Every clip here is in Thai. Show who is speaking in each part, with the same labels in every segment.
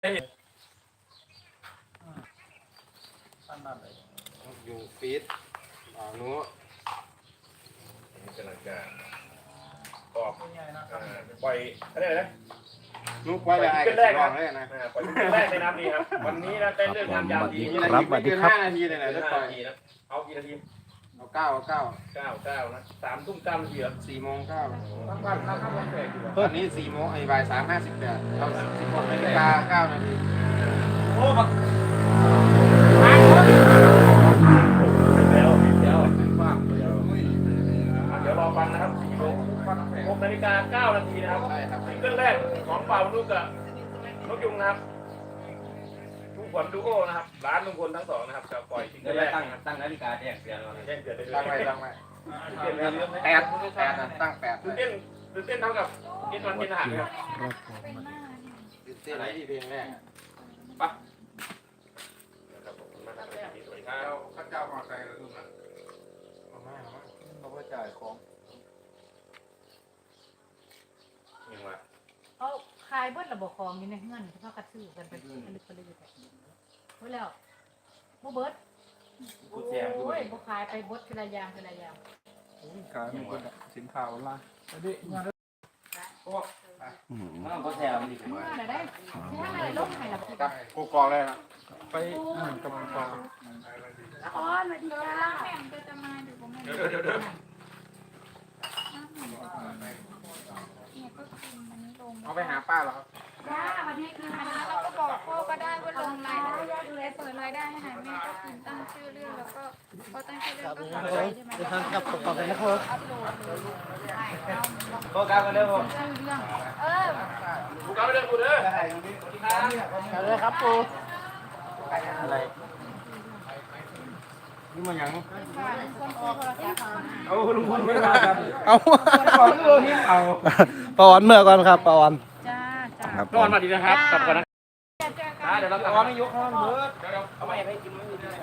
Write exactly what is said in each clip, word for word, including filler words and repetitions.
Speaker 1: อยู่ฟีดอ่านู้
Speaker 2: นี่กำลังจะออกปล่อยอะไรนะ
Speaker 1: นุ๊กไว้เลยไอ้กันลองเลยนะ
Speaker 2: ปล่อยแรกในน้ำดีครับวันนี้นะเต้นเรื่องงานยามดี
Speaker 1: ครับสวัสดีครับห้านาทีเลยนะจะปล่อย
Speaker 2: เอากี่นาที
Speaker 1: เอาเก้าเอาเก้า
Speaker 2: เก้าเก้านะสามทุ่มเก้านาทีครับ
Speaker 1: สี่โมงเก้า
Speaker 2: ทั้งวันทั้งวันแปดอยู่
Speaker 1: ตอนนี้สี่โมงไอ้บ่ายสามห้าสิบแปดเราสิบหกนาฬิกาเก้านาที
Speaker 2: โอ้บักเดี๋ยวเดี๋ยวเดี๋ยวรอฟังนะครับสี่โมงหกนาฬิกาเก้านาทีนะครับซิงเกิลแรกของเป่าลูกกับนกยุงนะครับทุกคนดูโอนะครับร้านลุงพลทั้งสองนะครับจะปล่อยซิงเกิลแรก
Speaker 3: ตั้งตั้งนาฬิกาแจ้งเตือนเรา
Speaker 2: แจ้งเตือนได้เลย
Speaker 1: ตั้งไว้ตั้งไว้แปดแปดนะตั้งแปด
Speaker 2: ตื่นเต้นตื่นเต้นเท่ากับกินวันกินอาหารครับ
Speaker 1: ตื่นเต้นอะไรที่เพลงแรก
Speaker 2: ปะสวัสดีครับข้าเจ้ามาใครเลยทุกท่าน
Speaker 1: เอามาเอามาจ่ายของ
Speaker 2: ยังไง
Speaker 4: เอาขายเบิดระบบของนี่ในเงินเขากระซื้อกันไปผลิตผลิตแต่เมื่อแล้วโมเบิร์ดโอ้ยโมขายไปบดทีละอย่างทีละอย่าง
Speaker 1: ขายหมดสินค้าออนไลน์อันนี้งาน
Speaker 3: โอ้มันก็แซวมันดีกว่า
Speaker 4: อะไรได้ใช่อะไรลงไห้ละ
Speaker 1: กับกูกองเลยนะไปกำลังกอง
Speaker 4: อ๋อสวัสดีค่ะแม่ก็จะมาดูผมเดี๋ยวเดี๋ยวเดี๋ยว
Speaker 1: เอาไปหาป้าเหรอครับ
Speaker 4: จ้าวันนี้คือ
Speaker 5: แล้วเราก็บอกพ่อก็ได้ว่าลงรายได้เปิดรายได้ให้หาแม่ก็พิมพ์ตั้งชื่อเรื่องแล้วก็พอตั้งชื่อเรื่องก็ทำไปใช่ไหม
Speaker 1: ครับขอบคุณนะครับ
Speaker 5: อัพโหลดเลย
Speaker 3: โปรแกรมกันเด้อผม
Speaker 5: ชื่อเรื่องเออ
Speaker 2: กูกลับไปเดินกูเด้อ
Speaker 1: กันเลยครับปูอะไรนี่มันยัง
Speaker 3: เอาลุงพลไม่มากัน
Speaker 1: เอา
Speaker 3: ขอเรื่องนี้เอา
Speaker 1: ปอนเมื่อก่อนครับปอน
Speaker 4: จ้าจ้า
Speaker 2: ครับปอนมาดีนะครับกลับก่อนนะ
Speaker 3: เดี๋ยวเราปอนไม่ยกห้องเบิร์ดเดี๋ยวเอาไปให้กิน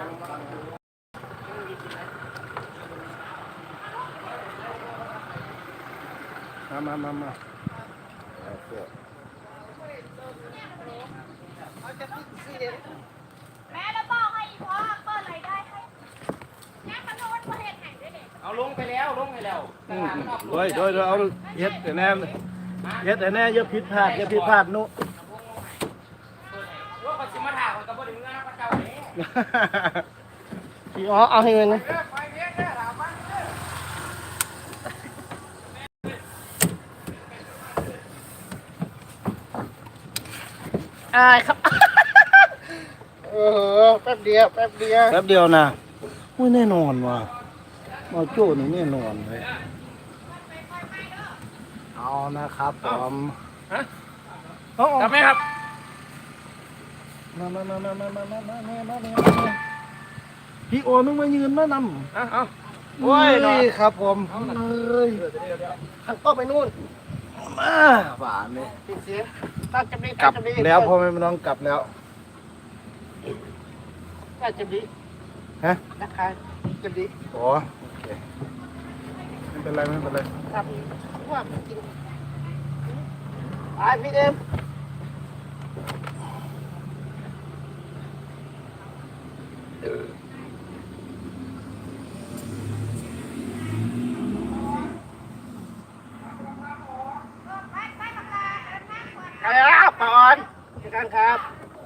Speaker 1: มามามามา
Speaker 5: แม่แล้วบอกให้พ่อเปิดรายได้ให้แม่ขนมมาเห็ดแห่งด้วยเด็ก
Speaker 3: เอาลงไปแล้วลงไปแล้ว
Speaker 1: โดยโดยเอาเย็ดแต่แน่เย็ดแต่แน่เยอะผิดพลาดเยอะผิดพลาดนุ
Speaker 3: ว่าเขาจะมาถามกับพ่อเด็กเมื่อนะพระเจ้าเนี่ย
Speaker 1: พี่อ๋อเอาให้เงินนะอายครับเออแป๊บเดียวแป๊บเดียวแป๊บเดียวนะอุ้ยแน่นอนว่ะมาโจ้นี่แน่นอนเลยเอานะครับผม
Speaker 2: ฮะกลับไหมครับ
Speaker 1: มามามามามามามามามามามาพี่โอมึงมายืนมานำ
Speaker 2: อ่ะเอา
Speaker 1: โอ้ยครับผมเอ้ยทางก็ไปนู่นมาหวานเลยเสียตั้งจำดีกลับแล้วพ่อไม่ต้องกลับแล้วตั้งจำดีฮะนะคะจำดีโอ้โอเคไม่เป็นไรไม่เป็นไรครับว่ากินไอพี่เอ็มครับปอนจัดการครับ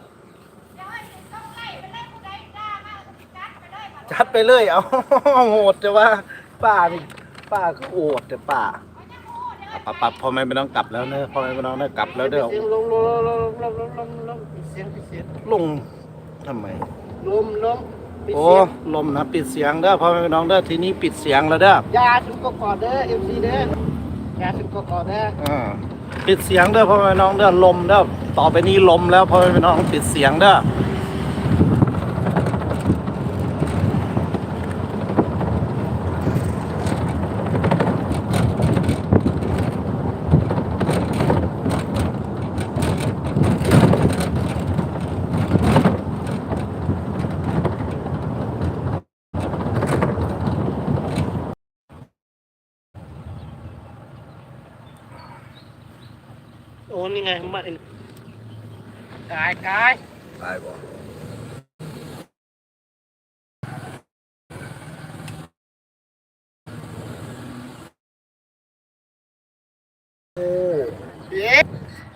Speaker 1: จัดไปเลยเอาโหดจะว่าป้านี่ป้าก็โหดแต่ป้าปับปับพอไม่ต้องกลับแล้วเนอะพอไม่ต้องได้กลับแล้วเด้อลงลงลงลงลงลงลงปิดเสียงปิดเสียงลงทำไมลมลมโอ้ลมนะปิดเสียงเด้อพอไม่ต้องเด้อทีนี้ปิดเสียงแล้วเด้อยาถึงก็กอดเด้อเอ็มซีเด้อยาถึงก็กอดเด้ออ่าปิดเสียงเด้อพ่อแม่น้องเด้อลมเด้อต่อไปนี้ลมแล้วพ่อแม่น้องปิดเสียงเด้อโอ้นี่ไงมา
Speaker 3: กายกาย
Speaker 1: ตายบ่
Speaker 3: เอ๊ะ